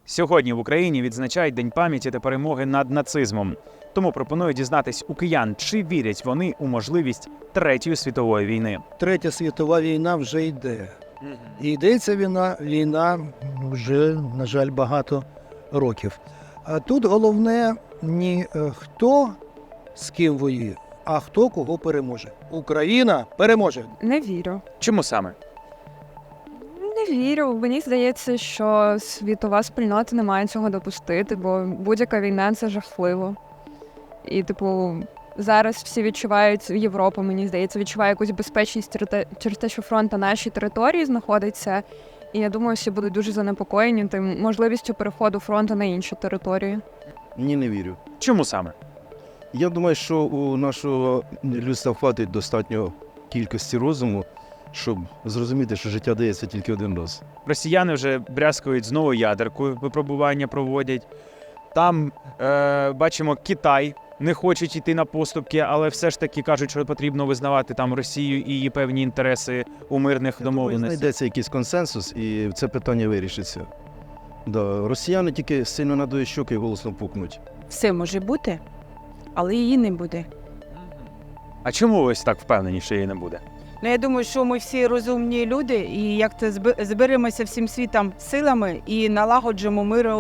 Сьогодні в Україні відзначають День пам'яті та перемоги над нацизмом. Тому пропоную дізнатись у киян, чи вірять вони у можливість Третьої світової війни. Третя світова війна вже йде. І йде ця війна вже, на жаль, багато років. А тут головне не хто з ким воює, а хто кого переможе. Україна переможе. Не вірю. Чому саме? Не вірю. Мені здається, що світова спільнота не має цього допустити, бо будь-яка війна – це жахливо. І, зараз всі відчувають, Європа, мені здається, відчуває якусь безпечність через те, що фронт на нашій території знаходиться. І я думаю, всі будуть дуже занепокоєні тим можливістю переходу фронту на інші території. Ні, не вірю. Чому саме? Я думаю, що у нашого людства хватить достатньо кількості розуму, щоб зрозуміти, що життя дається тільки один раз. Росіяни вже брязкають знову ядеркою, випробування проводять. Там, бачимо, Китай не хочуть йти на поступки, але все ж таки кажуть, що потрібно визнавати там Росію і її певні інтереси у мирних домовленостях. Знайдеться якийсь консенсус, і це питання вирішиться. Да, росіяни тільки сильно надують щоки і голосно пукнуть. Все може бути, але її не буде. А чому ви ось так впевнені, що її не буде? Ну, я думаю, що ми всі розумні люди, і як це зберемося всім світом силами і налагоджуємо мир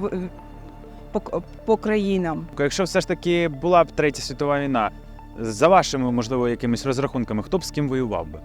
по країнам. Якщо все ж таки була б Третя світова війна, за вашими, можливо, якимись розрахунками, хто б з ким воював би?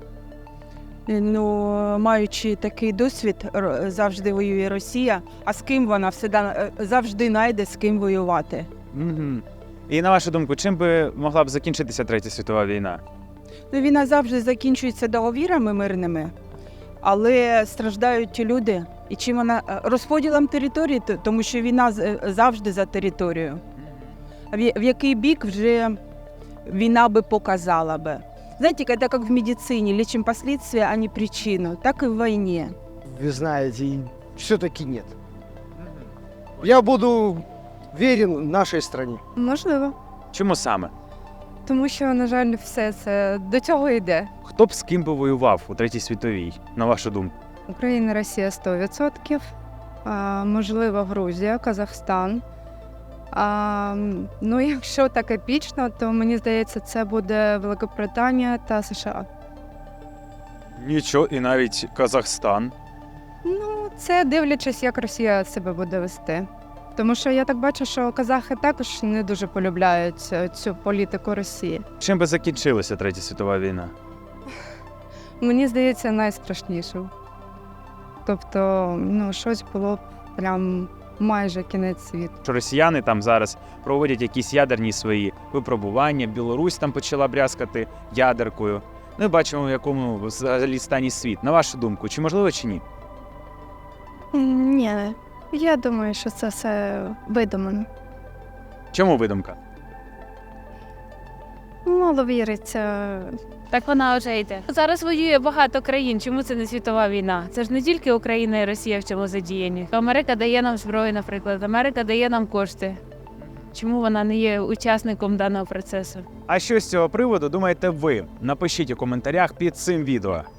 Ну, маючи такий досвід, завжди воює Росія, а з ким вона завжди знайде з ким воювати. Угу. І на вашу думку, чим би могла б закінчитися Третя світова війна? Ну, війна завжди закінчується договірами мирними, але страждають люди. І чим вона розподілом території, тому що війна завжди за територією. В який бік вже війна би показала би. Знаете, это как в медицине, лечим последствия, а не причину. Так и в войне. Вы знаете, все-таки нет. Я буду верен нашей стране. Можливо. Чому саме? Тому що, на жаль, все це до цього йде. Хто б з ким би воював у Третій світовій, на вашу думку? Україна, Росія 100%, можливо, Грузія, Казахстан. Ну, якщо так епічно, то мені здається, це буде Великобританія та США. Нічого, і навіть Казахстан. Ну, це дивлячись, як Росія себе буде вести. Тому що я так бачу, що казахи також не дуже полюбляють цю політику Росії. Чим би закінчилася Третя світова війна? Мені здається, найстрашнішим. Тобто, щось було б прям майже кінець світу. Що росіяни там зараз проводять якісь ядерні свої випробування, Білорусь там почала брязкати ядеркою. Ми бачимо, в якому взагалі стані світ. На вашу думку, чи можливо, чи ні? Ні, я думаю, що це все видумано. Чому видумка? Мало віриться. Так вона вже йде. Зараз воює багато країн. Чому це не світова війна? Це ж не тільки Україна і Росія в цьому задіяні. Америка дає нам зброю, наприклад. Америка дає нам кошти. Чому вона не є учасником даного процесу? А що з цього приводу думаєте ви? Напишіть у коментарях під цим відео.